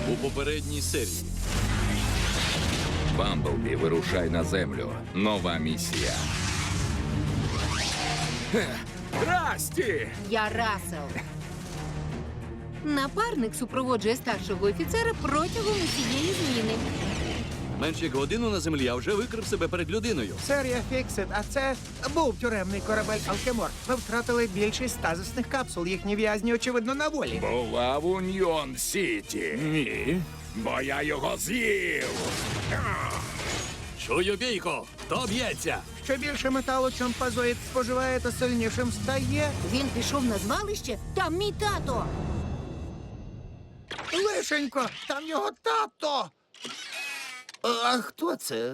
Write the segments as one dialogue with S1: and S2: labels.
S1: У попередній серії
S2: Бамблбі, вирушай на землю. Нова місія. Расті!
S3: Я Рассел. Напарник супроводжує старшого офіцера протягом усієї зміни.
S1: менш як годину на землі, а вже викрив себе перед людиною.
S4: Сер, я Фіксит, а це був тюремний корабель Алкемор. Ми втратили більшість стазисних капсул. Їхні в'язні, очевидно, на волі.
S2: Була в Уньйон Сіті. Ні, бо я його з'їв.
S1: Чую бійко! Хто б'ється?
S4: Що більше металу чомпазоїд споживає, то сильнішим стає.
S3: Він пішов на звалище, там мій тато.
S4: Лишенько, там його тато. А хто це?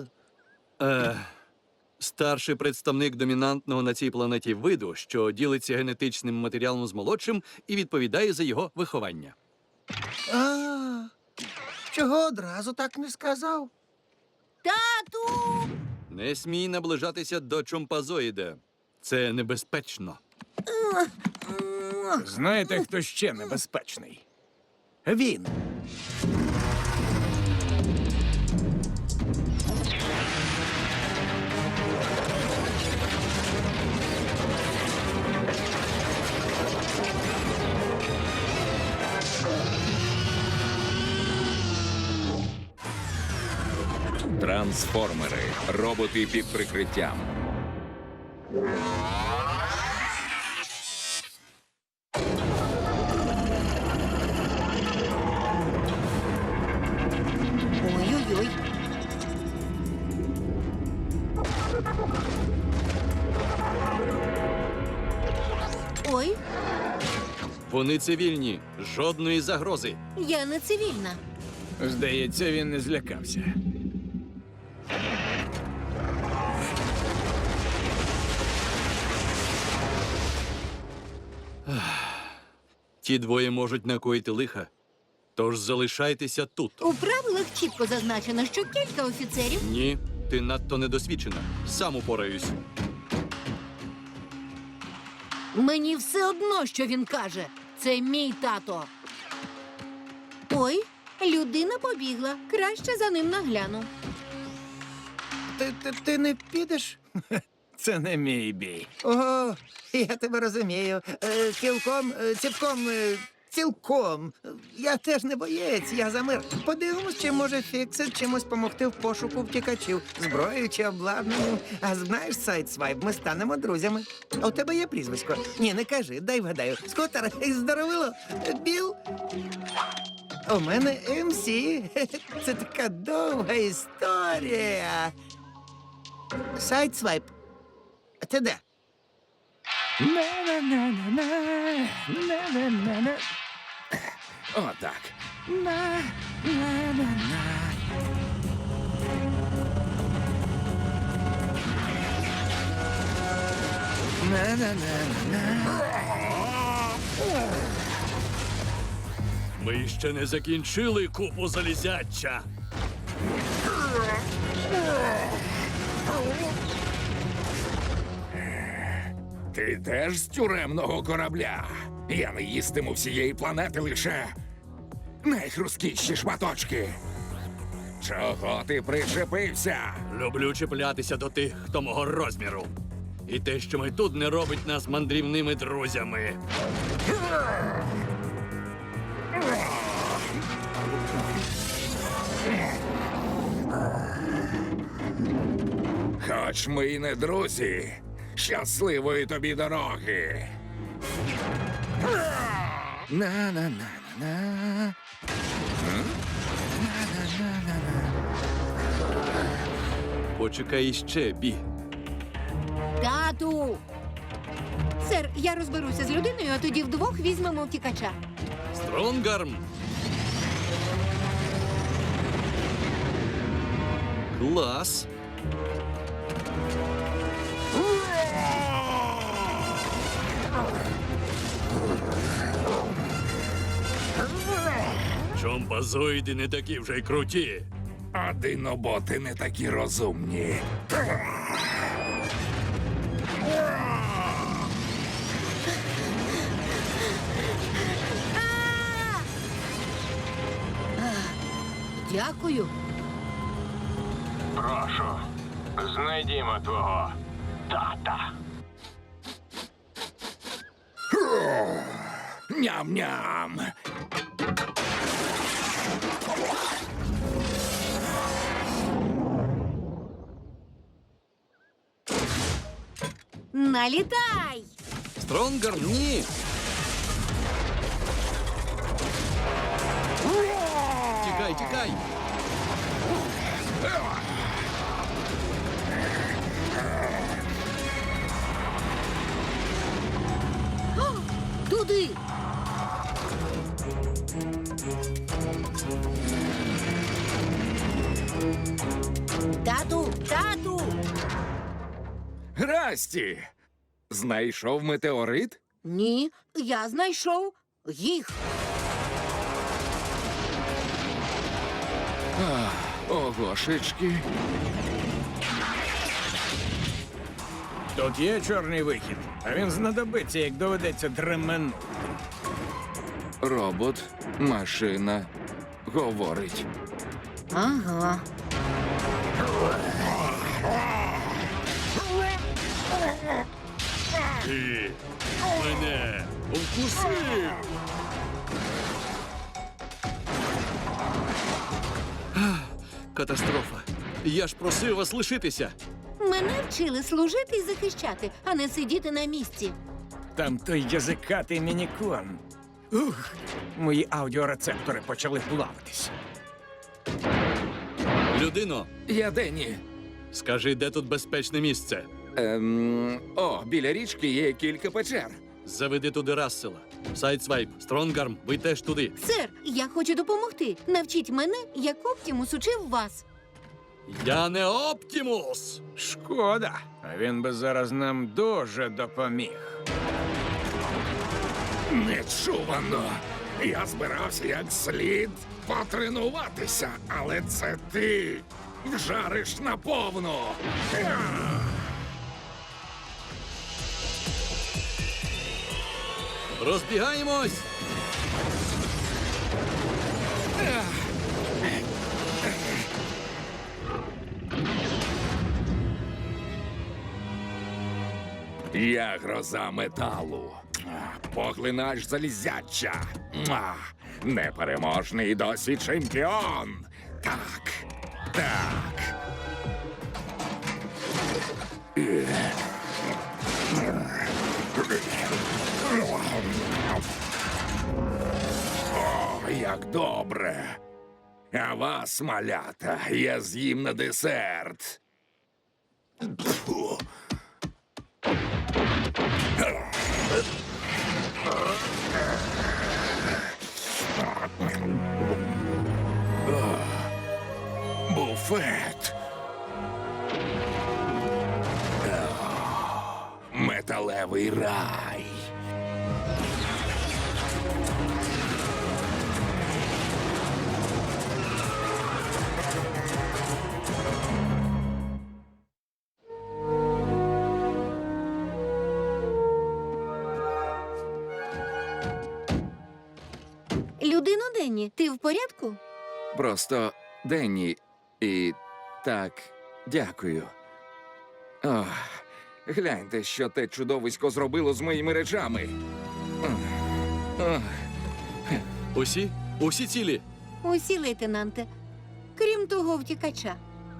S1: Старший представник домінантного на цій планеті виду, що ділиться генетичним матеріалом з молодшим і відповідає за його виховання.
S4: А, чого одразу так не сказав?
S3: Тату!
S1: Не смій наближатися до чомпазоїда. Це небезпечно.
S5: Знаєте, хто ще небезпечний?
S4: Він.
S2: Трансформери. Роботи під прикриттям.
S3: Ой-ой-ой. Ой,
S1: Вони цивільні. Жодної загрози.
S3: я не цивільна.
S5: Здається, він не злякався.
S1: Ті двоє можуть накоїти лиха. Тож залишайтеся тут.
S3: У правилах чітко зазначено, що кілька офіцерів.
S1: Ні, ти надто недосвідчена. Сам упораюсь.
S3: Мені все одно, що він каже. Це мій тато. Ой, людина побігла. Краще за ним нагляну.
S4: Ти не підеш?
S5: Це не мій бій.
S4: Ого, я тебе розумію. Цілком. Я теж не боєць, я за мир. Подивимось, чи може Фіксит чимось помогти в пошуку втікачів, зброєю чи обладнанням. А знаєш, Сайдсвайп, ми станемо друзями. А у тебе є прізвисько? Ні, не кажи, дай вгадаю. Скотер, здоровило, Біл? У мене МС. Це така довга історія. Сайдсвайп, ти де?
S2: Отак.
S1: Ми ще не закінчили купу залізяча.
S2: Ти теж з тюремного корабля. Я не їстиму всієї планети лише найхрусткіші шматочки. Чого ти причепився?
S1: Люблю чіплятися до тих, хто мого розміру. І те, що ми тут, не робить нас мандрівними друзями.
S2: Хоч ми й не друзі, щасливої тобі дороги. На-на-на-на-на.
S1: Почекай іще, Бі.
S3: Тату! Сер, я розберуся з людиною, а тоді вдвох візьмемо втікача.
S1: Стронгарм! Клас! Чомпазоїди не такі вже й круті.
S2: А диноботи не такі розумні.
S3: Дякую.
S6: Прошу, знайдімо твого тата.
S2: Ням-ням.
S3: Налітай!
S1: Стронгарм, ні! Тікай, тікай!
S3: Туди! Тату! Тату!
S2: Расті! Знайшов метеорит?
S3: Ні, я знайшов їх.
S2: Огошечки.
S5: Тут є чорний вихід, а він знадобиться, як доведеться дременути.
S2: Робот, машина, говорить.
S3: Ага.
S1: Ти мене вкусив! Катастрофа. Я ж просив вас лишитися.
S3: Мене вчили служити і захищати, а не сидіти на місці.
S5: Там той язикатий мінікон. Ух, мої аудіорецептори почали плаватись.
S1: Людино,
S2: Я Денні.
S1: скажи, де тут безпечне місце?
S2: Біля річки є кілька печер.
S1: Заведи туди Рассела. Сайдсвайп, Стронгарм, ви теж туди.
S3: Сер, я хочу допомогти. Навчіть мене, як Оптімус учив вас.
S1: Я не Оптімус!
S5: Шкода, а він би зараз нам дуже допоміг.
S2: Нечувано. Я збирався як слід потренуватися, але це ти вжариш наповну.
S1: Розбігаємось!
S2: Я гроза металу. Поглинач залізяча. Непереможний досі чемпіон. Так. Так. О, як добре. А вас, малята, я з'їм на десерт. Фу. Буфет. Металевий рай.
S3: Людино Денні, ти в порядку?
S2: Просто Денні. І так, дякую. Ох, гляньте, що те чудовисько зробило з моїми речами. Ох.
S1: Усі? Усі цілі?
S3: Усі, лейтенанте. Крім того втікача.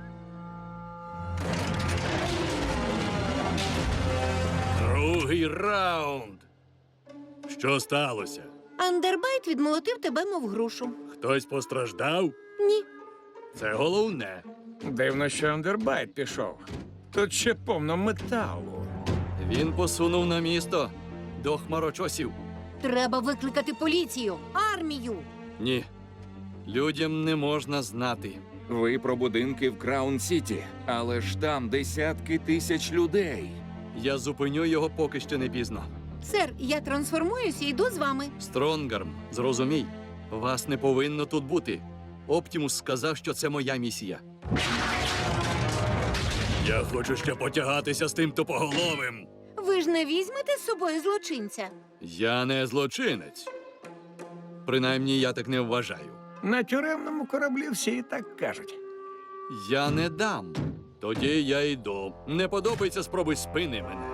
S1: Другий раунд. Що сталося?
S3: Андербайт відмолотив тебе, мов грушу.
S1: Хтось постраждав?
S3: Ні.
S1: Це головне.
S5: Дивно, що Андербайт пішов. Тут ще повно металу.
S1: Він посунув на місто до хмарочосів.
S3: Треба викликати поліцію, армію.
S1: Ні. Людям не можна знати.
S2: Ви про будинки в Краун-Сіті, але ж там десятки тисяч людей.
S1: Я зупиню його, поки ще не пізно.
S3: Сер, я трансформуюся і йду з вами.
S1: Стронгарм, зрозумій, вас не повинно тут бути. Оптімус сказав, що це моя місія. Я хочу ще потягатися з тим тупоголовим.
S3: Ви ж не візьмете з собою злочинця.
S1: Я не злочинець. Принаймні, я так не вважаю.
S5: На тюремному кораблі всі так кажуть.
S1: Я не дам. Тоді я йду. Не подобається, спробуй спини мене.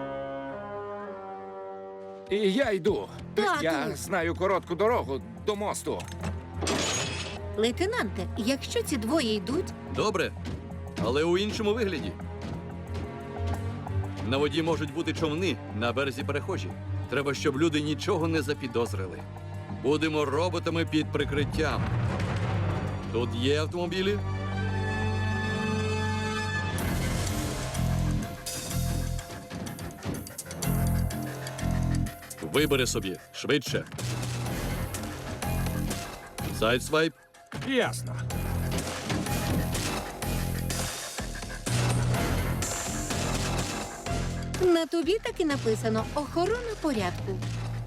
S2: І я йду.
S3: Тату!
S2: Я знаю коротку дорогу до мосту.
S3: Лейтенанте, якщо ці двоє йдуть,
S1: Добре, але у іншому вигляді. На воді можуть бути човни, на березі перехожі. Треба, щоб люди нічого не запідозрили. Будемо роботами під прикриттям. Тут є автомобілі? Вибери собі швидше. Сайдсвайп.
S5: Ясно.
S3: на тобі так і написано «Охорона порядку».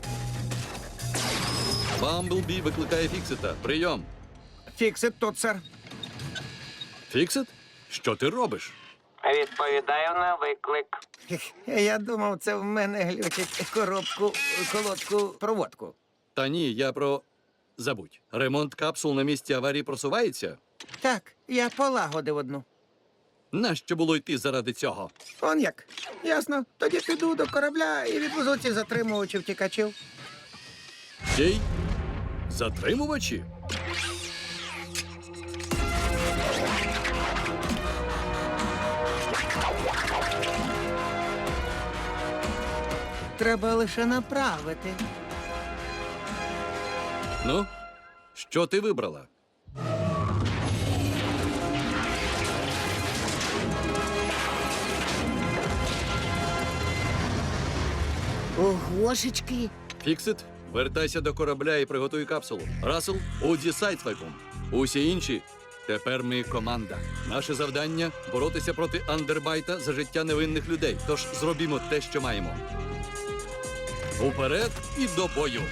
S1: Бамблбі викликає Фіксита. Прийом.
S5: Фіксит тут, сер.
S1: Фіксит? Що ти робиш?
S6: Відповідаю на виклик.
S4: Я думав, це в мене глючить колодку, проводку.
S1: Та ні, я про... Забудь. Ремонт капсул на місці аварії просувається?
S4: Так, я полагодив одну.
S1: Нащо було йти заради цього?
S4: Он як? Ясно. Тоді піду до корабля і відвезу цих затримувачів втікачів.
S1: Чий? Затримувачі?
S4: Треба лише направити.
S1: Ну, що ти вибрала?
S3: Огошечки.
S1: Фіксит, вертайся до корабля і приготуй капсулу. Рассел, Уді сайдсвайпом. Усі інші. Тепер ми команда. Наше завдання – боротися проти андербайта за життя невинних людей. Тож зробімо те, що маємо. Уперед і до бою.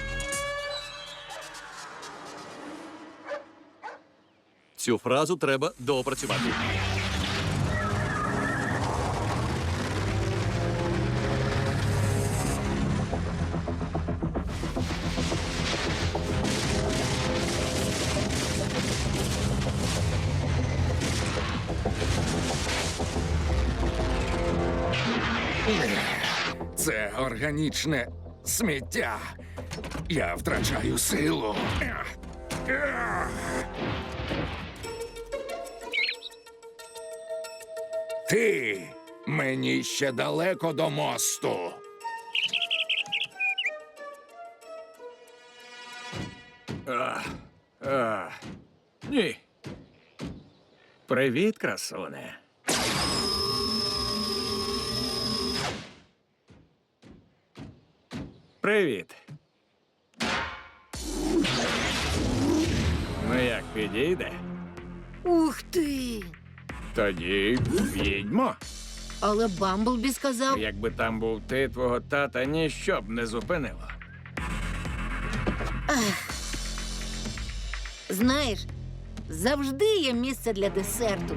S1: Цю фразу треба доопрацювати.
S2: Це органічне сміття. Я втрачаю силу. Ти мені ще далеко до мосту.
S5: Ні. Привіт, красуне. Привіт. Ну як, підійде?
S3: Ух ти!
S5: Тоді їдьмо.
S3: Але Бамблбі сказав,
S5: Якби там був ти, твого тата ніщо б не зупинило.
S3: знаєш, завжди є місце для десерту.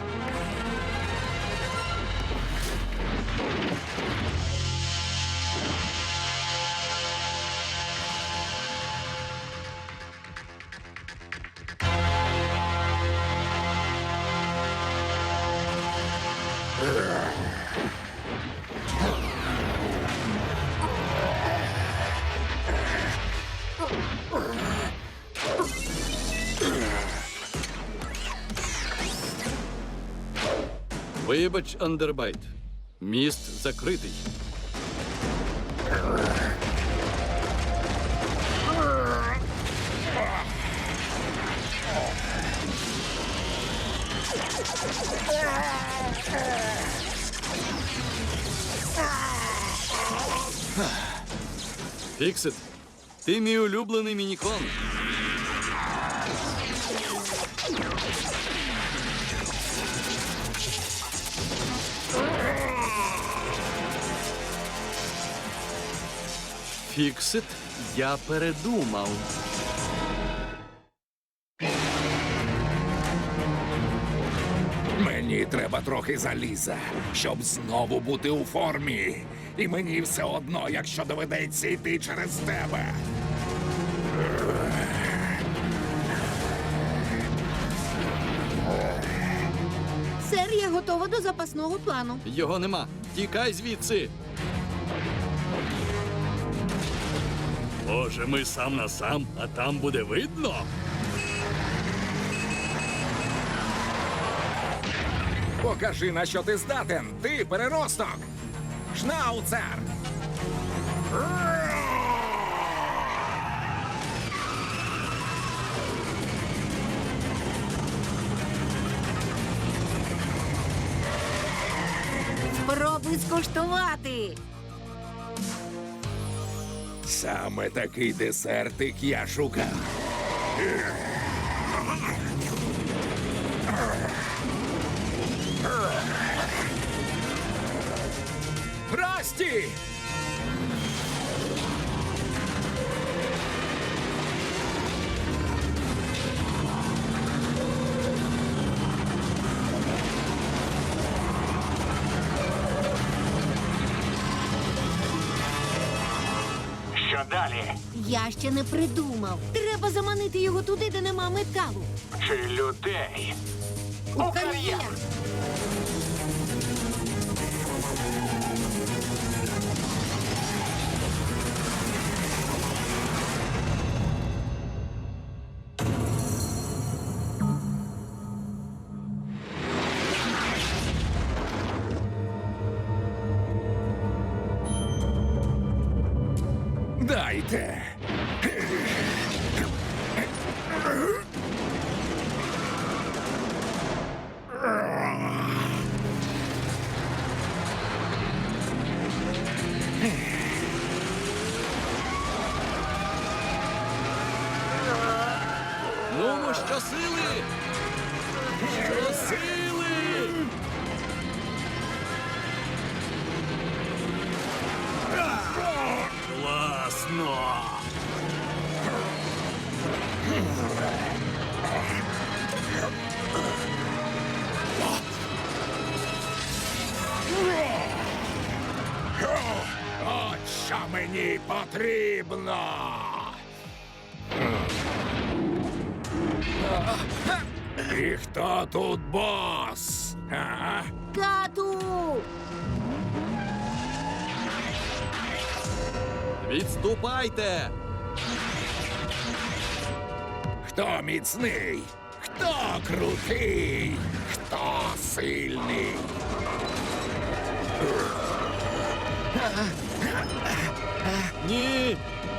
S1: Вибач, андербайт. Міст закритий. Фіксит, ти мій улюблений мінікон. Фіксит, я передумав.
S2: Мені треба трохи заліза, щоб знову бути у формі. І мені все одно, якщо доведеться йти через тебе.
S3: Тепер я готова до запасного плану.
S1: Його нема. Тікай звідси. Боже, ми сам на сам, а там буде видно.
S2: Покажи, на що ти здатен, ти переросток! Шнауцер!
S3: Спробуй скуштувати.
S2: Саме такий десертик я шукав. Расті!
S6: Що далі?
S3: Я ще не придумав. Треба заманити його туди, де нема металу.
S6: Чи людей?
S3: У кар'єр.
S2: Дайте!
S1: Ну, щосили! Щосили! Класно!
S2: От що мені потрібно! І хто тут бос? А?
S3: Кату!
S1: Відступайте!
S2: Хто міцний? Хто крутий? Хто сильний?
S1: Ні!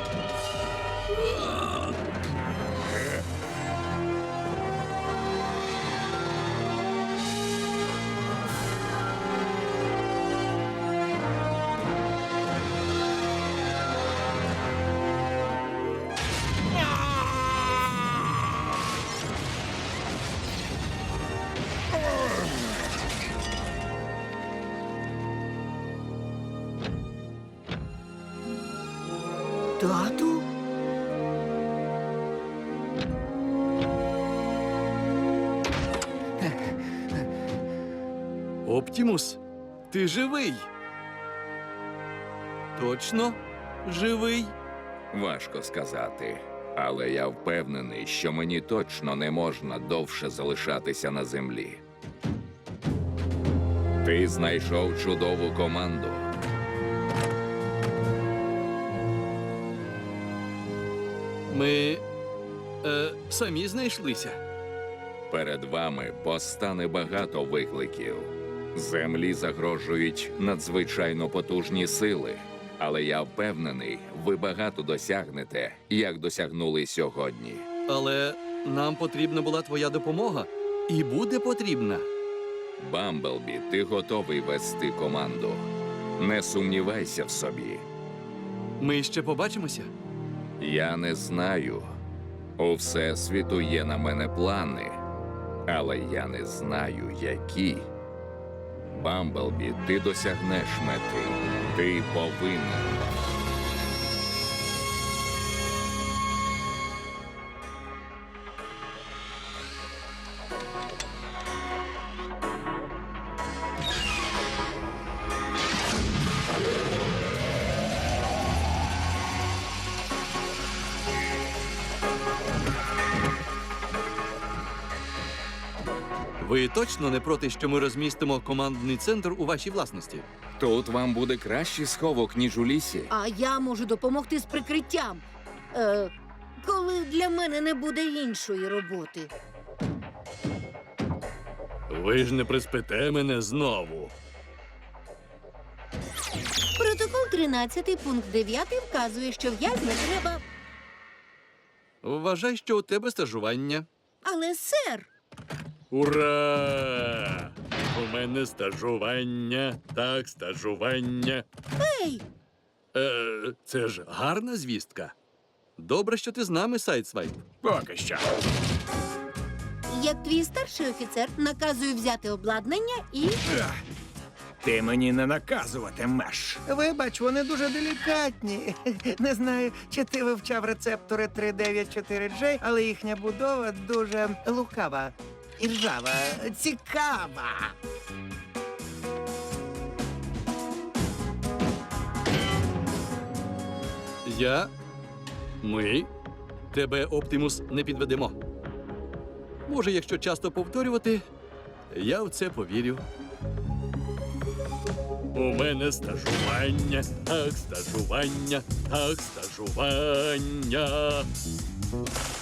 S3: Тату?
S1: Оптімус, ти живий? Точно живий?
S2: Важко сказати, але я впевнений, що мені точно не можна довше залишатися на землі. Ти знайшов чудову команду.
S1: Ми самі знайшлися.
S2: Перед вами постане багато викликів. Землі загрожують надзвичайно потужні сили. Але я впевнений, ви багато досягнете, як досягнули сьогодні.
S1: Але нам потрібна була твоя допомога. І буде потрібна.
S2: Бамблбі, ти готовий вести команду. Не сумнівайся в собі.
S1: Ми ще побачимося.
S2: Я не знаю. У Всесвіту є на мене плани, але я не знаю, які. Бамблбі, ти досягнеш мети. Ти повинен.
S1: Ви точно не проти, що ми розмістимо командний центр у вашій власності?
S2: Тут вам буде кращий сховок, ніж у лісі.
S3: А я можу допомогти з прикриттям. Коли для мене не буде іншої роботи.
S1: Ви ж не приспите мене знову.
S3: Протокол 13, пункт 9 вказує, що в'язня треба.
S1: Вважай, що у тебе стажування.
S3: Але, сер,
S1: Ура! У мене стажування. Так, стажування.
S3: ей,
S1: Це ж гарна звістка. Добре, що ти з нами, Сайдсвайп.
S5: Поки що.
S3: як твій старший офіцер, наказую взяти обладнання і.
S5: Ах, ти мені не наказуватимеш.
S4: Вибач, вони дуже делікатні. Не знаю, чи ти вивчав рецептори 394J, але їхня будова дуже лукава, іржава, цікава.
S1: Ми тебе, Оптимус, не підведемо. Може, якщо часто повторювати, я в це повірю. У мене стажування, так, стажування, так, стажування.